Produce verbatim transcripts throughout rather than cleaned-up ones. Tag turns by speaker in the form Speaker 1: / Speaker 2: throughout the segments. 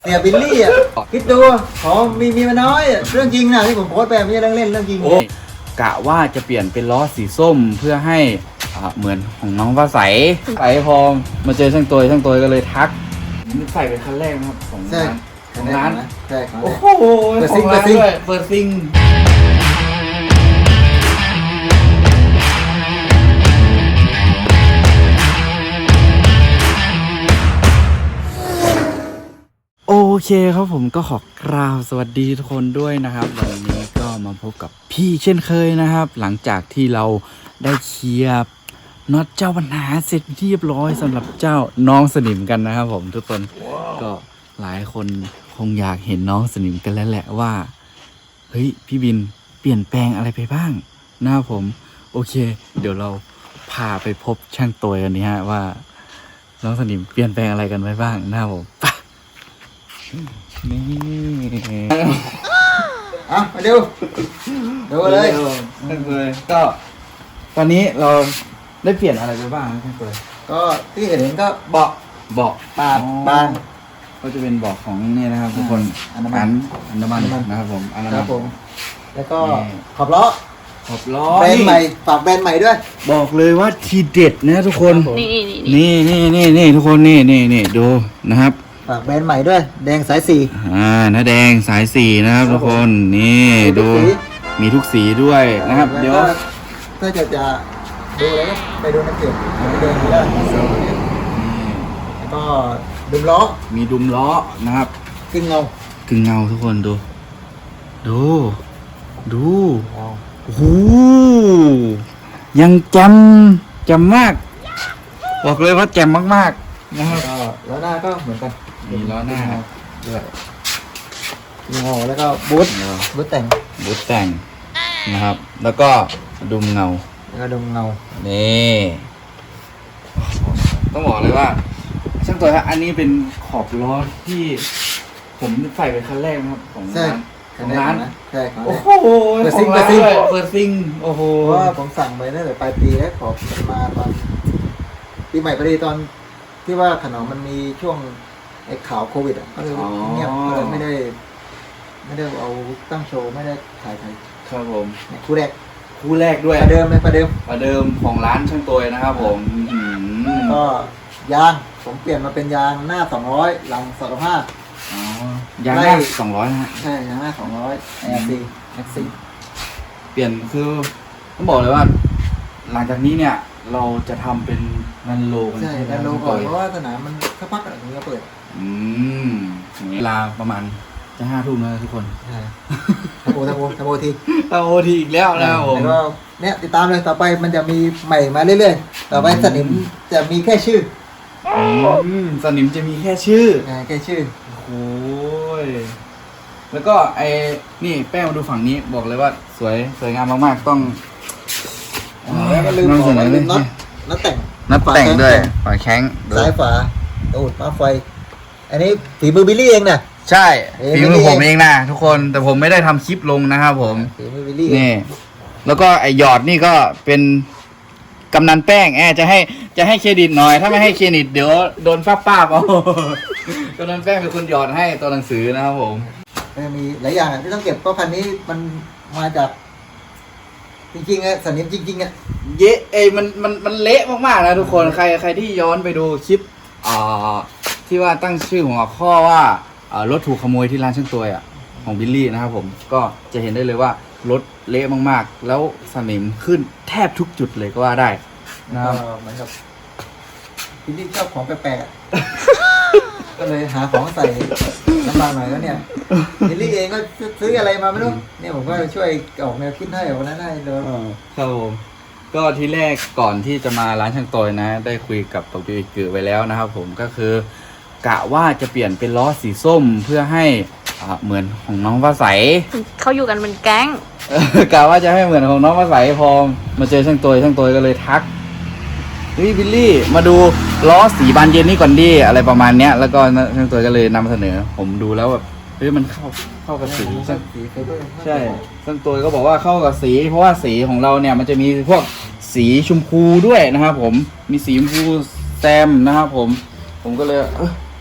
Speaker 1: เสียบิลลี่อ่ะคิดดูขอมีมีมาน้อยเรื่องจริงนะที่ผมโพสต์ไปไม่ใช่เรื่องเล่นเรื่องจริง
Speaker 2: โอ้กะว่าจะเปลี่ยนเป็นล้อสีส้มเพื่อให้อ่าเหมือนของน้องฟ้าใสใสพอมาเจอช่างตัวช่างตัวก็เลยทักนี่ใส่เป็นคันแรกนะครับของ
Speaker 1: ใช่
Speaker 2: ร้านของร้าน
Speaker 1: ใช่ของ
Speaker 2: โอ้
Speaker 1: ร้าน
Speaker 2: โห
Speaker 1: เปิด
Speaker 2: ข
Speaker 1: ซิ
Speaker 2: อง ง
Speaker 1: เปิ
Speaker 2: ร้า
Speaker 1: ด
Speaker 2: น
Speaker 1: ซิง
Speaker 2: ด้วยเปิดซิงโอเคครับผมก็ขอกราบสวัสดีทุกคนด้วยนะครับวันนี้ก็มาพบกับพี่เช่นเคยนะครับ หลังจากที่เราได้เคลียร์น็อตเจ้าปัญหาเสร็จเรียบร้อยสำหรับเจ้าน้องสนิมกันนะครับผมทุกคน wow. ก็หลายคนคงอยากเห็นน้องสนิมกันแล้วแหละว่าเฮ้ยพี่บินเปลี่ยนแปลงอะไรไปบ้างนะครับผมโอเค เดี๋ยวเราพาไปพบช่างตัวกันนี้ฮะว่าน้องสนิมเปลี่ยนแปลงอะไรกันไปบ้างนะครับผมนี่
Speaker 1: อ่ะมาดูดูเลย
Speaker 2: ช่างเลยก็ตอนนี้เราได้เปลี่ยนอะไรไปบ้างช่างเลย
Speaker 1: ก็ที่เห็นก็เบาะ
Speaker 2: เบาะ
Speaker 1: ปาดบาง
Speaker 2: ก็จะเป็นเบาะของนี่นะครับทุกคน
Speaker 1: อันน้ำมัน
Speaker 2: อันน้ำมันนะครับผมอันน้ำ
Speaker 1: ค
Speaker 2: มั
Speaker 1: รับ
Speaker 2: น
Speaker 1: ผมแล้วก็ขอบล้อ
Speaker 2: ขอบล้อ
Speaker 1: แบรนด์ใหม่ฝากแบรนด์ใหม่ด้วย
Speaker 2: บอกเลยว่าทีเด็ดนะทุกคน
Speaker 3: นี่นี่นี่
Speaker 2: นี่นี่นี่นี่ทุกคนนี่นี่นี่ดูนะครับ
Speaker 1: ฝากแบรนด์ใหม่ด้วย แดงสายสี่
Speaker 2: อ่าน้าแดงสายสี่นะครับทุกคนนี่ดูมีทุกสีด้วยนะครับเดี๋ยว
Speaker 1: ถ้าจะจะดูแล้วก็ไปดูในเพจเดินได้แล้วก็ดุมล้อ
Speaker 2: มีดุมล้อนะครับ
Speaker 1: ขึ้นเงา
Speaker 2: กึ่งเงาทุกคนดู ดูดูโอ้โหยังจำจำมาก บอกเลยว่าแจ่มมากๆนะครับ
Speaker 1: ก็ล้อหน้าก็เหมือนกัน
Speaker 2: มีล้อหน้าด้วย
Speaker 1: ขึ้นเงาแล้วก็บูทบูทแต่ง
Speaker 2: บูทแต่งนะครับ แล้วก็ดุมเงา
Speaker 1: แล้วก็ดุมเงา
Speaker 2: นี่ต้องบอกเลยว่าช่างตัวฮะอันนี้เป็นขอบล้อที่ผมใส่เป็นคันแรกนะครับของ
Speaker 1: ใช่
Speaker 2: ร้านของร้าน
Speaker 1: นะใช่ของ
Speaker 2: โอ้
Speaker 1: แรก
Speaker 2: โห
Speaker 1: เปิดซิง
Speaker 2: ของร้าน
Speaker 1: เปิดซิง
Speaker 2: ด้วยเปิดซิงโอ้โห
Speaker 1: เพราะว่าผมสั่งไปตั้งแต่ปลายปีแล้วขอมาตอนปีใหม่พอดีตอนที่ว่าขนมมันมีช่วงไอ้ข่าวโควิดอ่ะก็เลยเงียบก็เลยไม่ได้ ไม่ได้เอาตั้งโชว์ไม่ได้ถ่ายถ่าย
Speaker 2: ครับผม
Speaker 1: เนี่ยคู่แรก
Speaker 2: คู่แรกด้วย
Speaker 1: ประเดิมเลยประเดิม
Speaker 2: ประเดิมของร้านช่างตัวนะครับผมอืม
Speaker 1: ก็ยางผมเปลี่ยนมาเป็นยางหน้าสองร้อยหลังสองร้อยห้า
Speaker 2: อ๋อยางหน้าสองร้อยนะฮะ
Speaker 1: ใช่ยางหน้าสองร้อยแอร์ซีแท็กซี่
Speaker 2: เปลี่ยนคือต้องบอกเลยว่า หลังจากนี้เนี่ย เราจะทำเป็นนันโลกัน
Speaker 1: ใช่
Speaker 2: ไหม
Speaker 1: แต่โลก่อน
Speaker 2: ช่าง
Speaker 1: เพ
Speaker 2: ตัว
Speaker 1: ราะว่าสนามมันสักพักอะถึงจะเปิด
Speaker 2: อืมเวลาประมาณจะห้าทุ่มแล้วทุกคน
Speaker 1: ใช่ทำโอทำโอทำโอที
Speaker 2: ตาโอทีอีกแล้วนะครับผม
Speaker 1: แล้วก็เนี่ยติดตามเลยต่อไปมันจะมีใหม่มาเรื่อยๆต่อไปสนิมจะมีแค่ชื่อ
Speaker 2: อืมสนิมจะมีแค่ชื่อ
Speaker 1: อ่าแค่ชื่อ
Speaker 2: โอ้ยแล้วก็ไอ้นี่แป้งมาดูฝั่งนี้บอกเลยว่าสวยสวยงามมากๆต้อง
Speaker 1: แล้วก็ลืม
Speaker 2: นำ
Speaker 1: บ
Speaker 2: เส
Speaker 1: อก
Speaker 2: น
Speaker 1: ว่า
Speaker 2: อเล
Speaker 1: ลื
Speaker 2: ย
Speaker 1: มน็อตน็อตแต่ง
Speaker 2: นัดแต่งด้วยฝาแข้งดู
Speaker 1: ซ้ายฝาตูดมาไฟ อันนี้ฝีมือบิลลี่เองนะ
Speaker 2: ใช่
Speaker 1: เอ้ย
Speaker 2: ฝีมือผมเองนะทุกคนแต่ผมไม่ได้ทำคลิปลงนะครับผม
Speaker 1: ฝีมือบิลลี่
Speaker 2: นี่ แล้วก็ไอหยอดนี่ก็เป็นกำนันแป้งแอบจะให้จะให้เครดิตหน่อย ถ้าไม่ให้เครดิตเดี๋ยวโดนป้าป้าบเอา กำนันแป้งเป็นคนหยอดให้ตัวหนังสือนะครับผม
Speaker 1: มันมีหลายอย่างอะที่ต้องเก็บเพราะพันนี้มันมาจาก จริงๆอะสนิมจริงๆอะ
Speaker 2: เยะเอยมันมันมันเละมากๆนะทุกคนใครใครที่ย้อนไปดูคลิปอ่าที่ว่าตั้งชื่อของหัวข้อว่าอ่ารถถูกขโมยที่ร้านช่างตัวอ่ะของบิลลี่นะครับผมก็จะเห็นได้เลยว่ารถเละมากๆ แล้วสนิมขึ้นแทบทุกจุดเลยก็ว่าได้นะครับ
Speaker 1: ก็เหมือนกับบิลลี่ชอบของแปลกๆอะ ก็เลยหาของใส่น้ำบางหน่อยแล้วเนี่ยบิลลี่เองก็ซื้ออะไรมาไม่รู้เนี่ยผมก็ช่วยออกแนวคิดให้วันนั้นให้เลย
Speaker 2: ครับผมก็ทีแรกก่อนที่จะมาร้านช่างตัวนะ ได้คุยกับปกิกือไว้แล้วนะครับผมก็คือกะว่าจะเปลี่ยนเป็นล้อสีส้มเพื่อให้อ่าเหมือนของน้องฟ้าใส
Speaker 3: เขาอยู่กันเป็นแก๊ง
Speaker 2: เออกะว่าจะให้เหมือนของน้องฟ้าใสพอมาเจอช่างตัวช่างตัวก็เลยทักเฮ้ยบิลลี่มาดูล้อสีบานเย็นนี่ก่อนดิอะไรประมาณเนี้ยแล้วก็ช่างตัวก็เลยนำเสนอ ผมดูแล้วแบบเฮ้ยมันเข้าเข้ากับสีช่าง
Speaker 1: สีไฟเบอร์
Speaker 2: ใช่ช่างตัวก็บอกว่าเข้ากับสี เพราะว่าสีของเราเนี่ยมันจะมีพวกสีชมพูด้วยนะครับผมมีสีชมพูแซมนะครับผมผมก็เลยเออ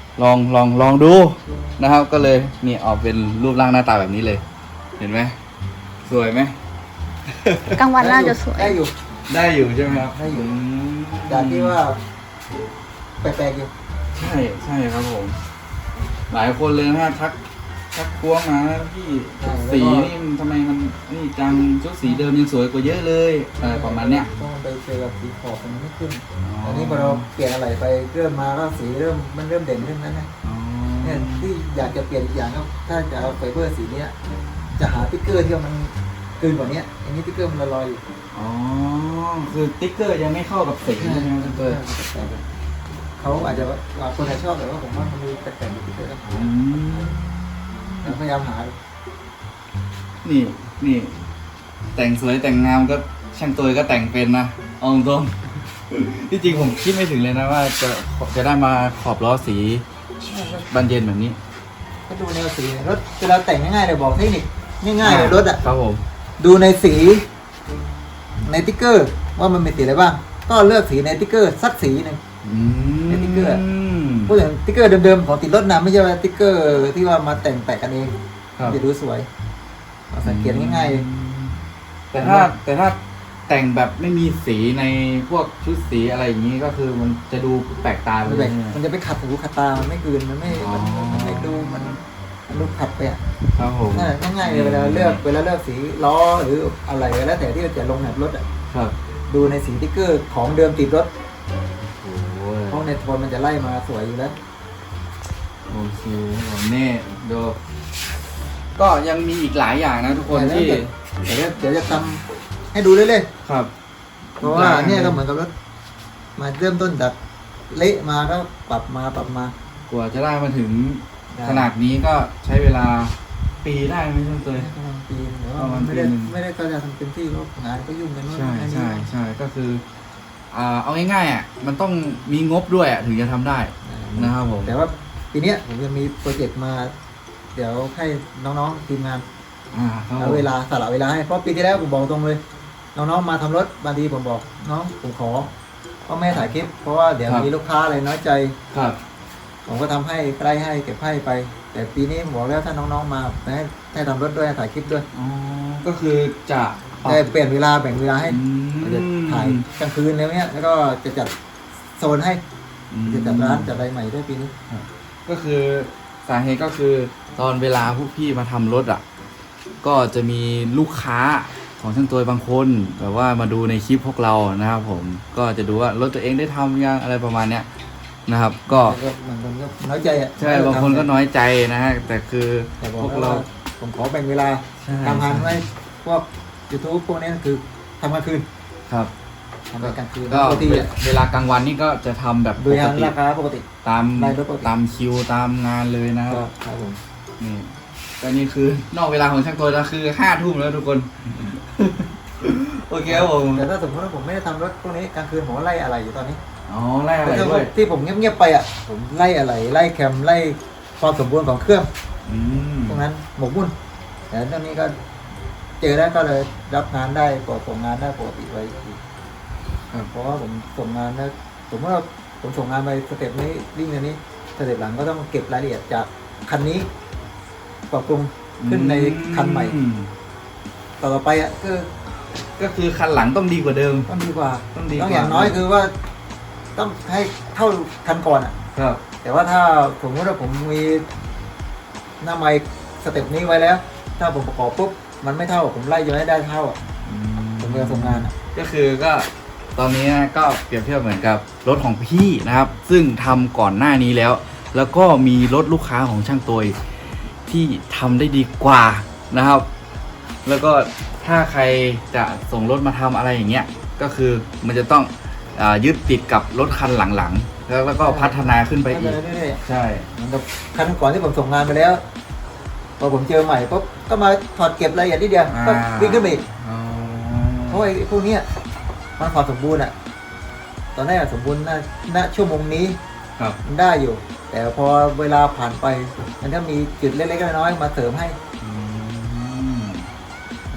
Speaker 2: ลองลองลองดูนะครับ ก็เลยนี่ออกเป็นรูปร่างหน้าตาแบบนี้เลย เห็นไหมสวยไหม
Speaker 3: กลางวันน่าจะสวย
Speaker 1: ได้อยู่
Speaker 2: ได้อยู่ใช่ไหมครับ
Speaker 1: ได้อยู่
Speaker 2: ม
Speaker 1: จากที่ว่าแปลกๆอยู่
Speaker 2: ใช่ใช่ครับผม หลายคนเลยนะทักทักพวงมาพี่ชุดสีนี่มันทำไมมันนี่จังชุดสีเดิมยังสวยกว่าเยอะเลยอะไรประมาณเนี้ย
Speaker 1: ต้องไปเจอกับสีขอบมันไม่ขึ้น
Speaker 2: อ๋อ
Speaker 1: อันนี้พอเราเปลี่ยนอะไรไปเริ่มมาก็สีเริ่มมันเริ่มเด่นขึ้นแล้วนะ
Speaker 2: อ๋อ
Speaker 1: เนี่ยที่อยากจะเปลี่ยนอีกอย่างก็ถ้าจะเอาไฟเบอร์สีเนี้ยจะหาติ๊กเกอร์ที่มันเกินกว่านี้อันนี้ติ๊กเกอร์มันละลอยอยู่
Speaker 2: อ๋อคือติ๊กเกอร์ยังไม่เข้ากับสีใช่ไหมครับเตอร์
Speaker 1: เขาอาจจะว่าคนไหนชอบแต่ว่าผมว่ามันมีแปลกๆอยู่ติ๊กเกอร์ต้องหา
Speaker 2: อืม
Speaker 1: แต่พยายามหา
Speaker 2: นี่นี่ แต่งสวยแต่งงามก็ช่างตัวก็แต่งเป็นนะเอาตรงๆที่จริงผมคิดไม่ถึงเลยนะว่าจะจะได้มาขอบล้อสีบานเย็นแบบนี้
Speaker 1: ก็ดูแนวสีรถเวลาแต่งง่ายๆเลยบอกเทคนิคง่ายๆเลยรถอ่ะ
Speaker 2: ครับผม
Speaker 1: ดูในสีในติ๊กเกอร์ว่ามันมีสีอะไรบ้าง ก็เลือกสีในติ๊กเกอร์สักสีหนึ่ง
Speaker 2: อืม
Speaker 1: ในติ๊กเกอร์ พูดถึงติ๊กเกอร์เดิมๆของติดรถนะไม่ใช่ว่าติ๊กเกอร์ที่ว่ามาแต่งแปะกันเอง
Speaker 2: ครับ
Speaker 1: จะดูสวยเอาสังเกตง่ายๆเลย
Speaker 2: แต่ถ้าแต่ถ้าแต่งแบบไม่มีสีในพวกชุดสีอะไรอย่างนี้ก็คือมันจะดูแปลกตาไป
Speaker 1: มัน
Speaker 2: เล
Speaker 1: แบ
Speaker 2: ย
Speaker 1: บมันจะไปขัดหูขัดตา มันไม่กลืนมันไม่
Speaker 2: อ๋อ
Speaker 1: มันมันไม่ดูมันมันดูขัดไปอ่ะ
Speaker 2: ครับผม
Speaker 1: นั่นแหละง่ายๆเลยเวลาเลือกเวลาเลือกสีล้อหรืออะไรก็แล้วแต่ที่จะลงแหนบรถอ่ะ
Speaker 2: ครับ
Speaker 1: ดูในสีติ๊กเกอร์ของเดิมติดรถ
Speaker 2: โอ้
Speaker 1: เพราะในโทนมันจะไล่มาสวยอยู่แล้ว
Speaker 2: โอเคผมนี่ดูก็ยังมีอีกหลายอย่างนะทุกคนที่
Speaker 1: เดี๋ยวเดี๋ยวจะทำให้ดูเรื่อย
Speaker 2: ครับ
Speaker 1: ๆเพราะว่าเนี่ยก็เหมือนกับรถมาเริ่มต้นจากเละมาก็ปรับมาปรับมาก
Speaker 2: ว่าจะได้มาถึง
Speaker 1: ได้
Speaker 2: ขนาดนี้ก็ใช้เวลาปีได้ไหมช่างเตย
Speaker 1: ประมาณปีหรือว่า
Speaker 2: ประมาณ
Speaker 1: ไม่ได้
Speaker 2: ปีหนึ่ง
Speaker 1: ไม่ได้ก็จะทำเต็มที่เพราะงานก็ยุ่งกันนู่น
Speaker 2: ใช่
Speaker 1: นั่นนี่
Speaker 2: ใช่ใช่ก็คืออ่าเอาง่ายๆอ่ะมันต้องมีงบด้วยอ่ะถึงจะทำได้นะครับผม
Speaker 1: แต่ว่าปีเนี้ยผมจะมีโปรเจกต์มา เดี๋ยวให้น้องๆทีมงาน
Speaker 2: อ่าครับผ
Speaker 1: เอา
Speaker 2: ม
Speaker 1: เวลาสละเวลาให้เพราะปีที่แล้วผมบอกตรงเลย น้องๆมาทำรถบางทีผมบอกน้องผมขอก็ไม่ให้ถ่ายคลิป เพราะว่าเดี๋ยวมีลูกค้าอะไรน้อยใจ
Speaker 2: ครับ
Speaker 1: ผมก็ทำให้ใกล้ให้เก็บให้ไป แต่ปีนี้ผมบอกแล้วถ้าน้องๆมาให้ให้ทำรถด้วยให้ถ่ายคลิปด้วย
Speaker 2: อ๋อก็คือจะปรับ
Speaker 1: ได้เปลี่ยนเวลาแบ่งเวลาให้
Speaker 2: อืม
Speaker 1: จะถ่ายกลางคืนแล้วเนี้ยแล้วก็จะจัดโซนให้
Speaker 2: อืม
Speaker 1: จะจัดร้านจัดอะไรใหม่ด้วยปีนี้
Speaker 2: ก็คือสาเหตุก็คือตอนเวลาพวกพี่มาทำรถอ่ะ ก็จะมีลูกค้าของช่างตัวบางคนแบบว่ามาดูในคลิปพวกเรานะครับผมก็จะดูว่ารถตัวเองได้ทำยังอะไรประมาณเนี้ยนะครับ ก็
Speaker 1: แล้วก็บางคนก็น้อยใจอ่ะ
Speaker 2: ใช่บางคนก็น้อยใจนะฮะแต่คือ
Speaker 1: แต่บอก
Speaker 2: พวก
Speaker 1: ว่า
Speaker 2: เรา
Speaker 1: ผมขอแบ่งเวลา
Speaker 2: ใช่
Speaker 1: ทำงานไว้พวก YouTube พวกนี้คือทำกลางคืน
Speaker 2: ครับ
Speaker 1: ทำกลางคืน
Speaker 2: ก็
Speaker 1: ปกติอะ
Speaker 2: เวลากลางวันนี่ก็จะทำแบบ
Speaker 1: โด
Speaker 2: ป
Speaker 1: ย
Speaker 2: ก
Speaker 1: ทาง
Speaker 2: ติ
Speaker 1: ราคาปกติ
Speaker 2: ตาม
Speaker 1: รายรถปกติ
Speaker 2: ตามคิวตามงานเลยนะครับ
Speaker 1: ก็ครับผม
Speaker 2: นี่ก็นี่คือนอกเวลาของช่างตัวแล้วคือห้าทุ่มแล้วทุกคน โอเคครับผม
Speaker 1: แต่ถ้าสมมติว่าผมไม่ได้ทำรถพวกนี้กลางคืนผมก็ไล่อะไรอยู่ตอนนี้
Speaker 2: อ๋อไล่อะไร
Speaker 1: แต่
Speaker 2: ด้วย
Speaker 1: ที่ผมเงียบๆไปอ่ะผมไล่อะไรไล่แคมไล่ความสมบูรณ์ของเครื่อง
Speaker 2: อืม
Speaker 1: ตรงนั้นหมกมุ่นแต่ตอนนี้ก็เจอแล้วก็เลยรับงานได้กดส่งงานได้ปกติไว้อีก
Speaker 2: ครับ
Speaker 1: เพราะว่าผมส่งงานแล้วผมว่าผมส่งงานไปสเต็ปนี้วิ่งอันนี้สเต็ปหลังก็ต้องเก็บรายละเอียดจากคันนี้ปรับปรุงขึ้นในคันใหม่
Speaker 2: อื
Speaker 1: ต่อไปอ่ะคือ
Speaker 2: ก็คือคันหลังต้องดีกว่าเดิม
Speaker 1: ต้องดีกว่า
Speaker 2: ต้องดีกว่า
Speaker 1: ต้องอย่างน้อยคือว่า ต้องให้เท่าคันก่อนอ่ะ
Speaker 2: ครับ
Speaker 1: แต่ว่าถ้าสมมติว่าผมมีหน้าไมค์สเต็ปนี้ไว้แล้ว ถ้าผมประกอบปุ๊บมันไม่เท่าผมไล่จนให้ได้เท่าอะผมจะส่งงานอ่ะ
Speaker 2: ก็คือก็ตอนนี้ก็เปรียบเทียบเหมือนกับรถของพี่นะครับ ซึ่งทำก่อนหน้านี้แล้ว แล้วก็มีรถลูกค้าของช่างตัวที่ทำได้ดีกว่านะครับ แล้วก็ถ้าใครจะส่งรถมาทำอะไรอย่างเงี้ยก็คือมันจะต้องอายึดติดกับรถคันหลังๆแล้วแล้วก็พัฒนาขึ้นไปอีก
Speaker 1: เรื่อย
Speaker 2: ใช่
Speaker 1: ๆเหมือนกับคันก่อนที่ผมส่งงานไปแล้วพอผมเจอใหม่ปุ๊บก็มาถอดเก็บรายละเอียดนิดเดียวก็วิ่งขึ้นไปอีก
Speaker 2: อ๋อ
Speaker 1: เพราะว่าไอ้พวกเนี้ยมันความสมบูรณ์อ่ะ ตอนแรกอะสมบูรณ์ณณชั่วโมงนี้
Speaker 2: ครับ
Speaker 1: มันได้อยู่ แต่พอเวลาผ่านไป มันก็มีจุดเล็กๆน้อยๆมาเสริมให้
Speaker 2: อืม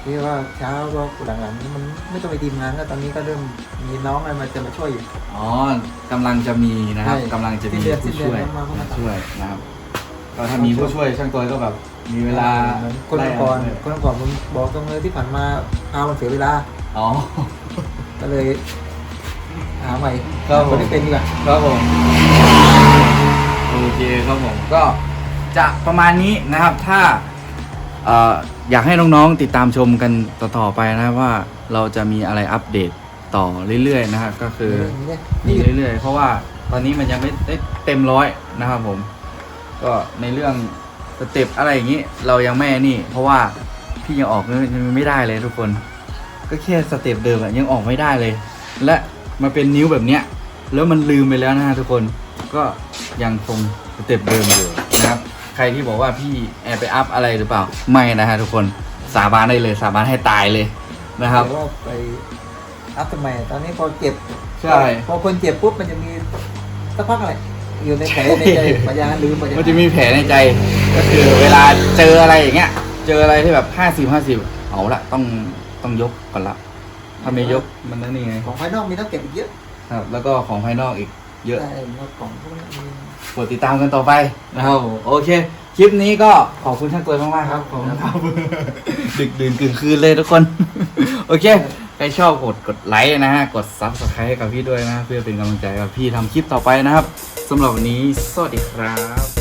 Speaker 1: ที่ว่าเช้าก็หลังๆนี้มันไม่ต้องไปทีมงานก็ตอนนี้ก็เริ่มมีน้องอะไรมาจะมาช่วยอยู่
Speaker 2: อ๋อกำลังจะมีนะครับ
Speaker 1: ใช่
Speaker 2: กำลังจะมี
Speaker 1: สิ้นเดือน
Speaker 2: ผู้ช่วย
Speaker 1: สิ้นเดือนมาเข้ามา
Speaker 2: มาช่วยนะครับก็ถ้ามีผู้ช่วยช่างตัวก็แบบมีเวลา
Speaker 1: เหมือนคนก่อนคนก่อนผมบอกตรงเลยที่ผ่านมาพามันเสียเวลา
Speaker 2: อ๋อ
Speaker 1: ก็เลยหาใหม่
Speaker 2: ครับผม
Speaker 1: คนที่เป็นดีกว่า
Speaker 2: ครับผมโอเคครับผมก็จะประมาณนี้นะครับ ถ้าเอ่ออยากให้น้องๆติดตามชมกันต่อๆไปนะครับว่าเราจะมีอะไรอัปเดตต่อเรื่อยๆนะครับก็คือ
Speaker 1: นี่
Speaker 2: มีเรื่อยๆ เพราะว่าตอนนี้มันยังไม่ได้เต็มร้อยนะครับผม ก็ในเรื่องสเต็ปอะไรอย่างนี้เรายังไม่นี่ เพราะว่าพี่ยังออกไม่ไม่ได้เลยทุกคน ก็แค่สเต็ปเดิมอะยังออกไม่ได้เลย และมาเป็นนิ้วแบบเนี้ยแล้วมันลืมไปแล้วนะฮะทุกคนก็ยังคงสเต็ปเดิมอยู่นะครับ ใครที่บอกว่าพี่แอบไปอัพอะไรหรือเปล่าไม่นะฮะทุกคนสาบานได้เลยสาบานให้ตายเลยนะครับ
Speaker 1: แต่ว่าไปอัพทำไมตอนนี้พอเจ็บ
Speaker 2: ใช่
Speaker 1: พอคนเจ็บปุ๊บมันจะมีสักพักอะไรอยู่ในแผลในใจปัญญาลืมปัญญา
Speaker 2: มันจะมีแผลในใจก็คือเวลาเจออะไรอย่างเงี้ย เจออะไรที่แบบห้าสิบห้าสิบเอาละต้องต้องยกก่อนละถ้าไม่ยกมันนั่นนี่ไง
Speaker 1: ของภายนอกมีต้องเก็บอีกเยอะ
Speaker 2: ครับ แล้วก็ของภายนอกอีกเยอะ
Speaker 1: ใช่แล้วของพวกนี้มี
Speaker 2: กดติดตามกันต่อไปนะครับผมโอเค คลิปนี้ก็ขอบคุณช่างตัวมากๆครับผมครับ ดึกดื่นกึ่งคืนเลยทุกคน โอเค ใครชอบกดกดไลค์นะฮะ กด ซับสไครบ์ ให้กับพี่ด้วยนะ เพื่อเป็นกำลังใจกับพี่ทำคลิปต่อไปนะครับสำหรับวันนี้สวัสดีครับ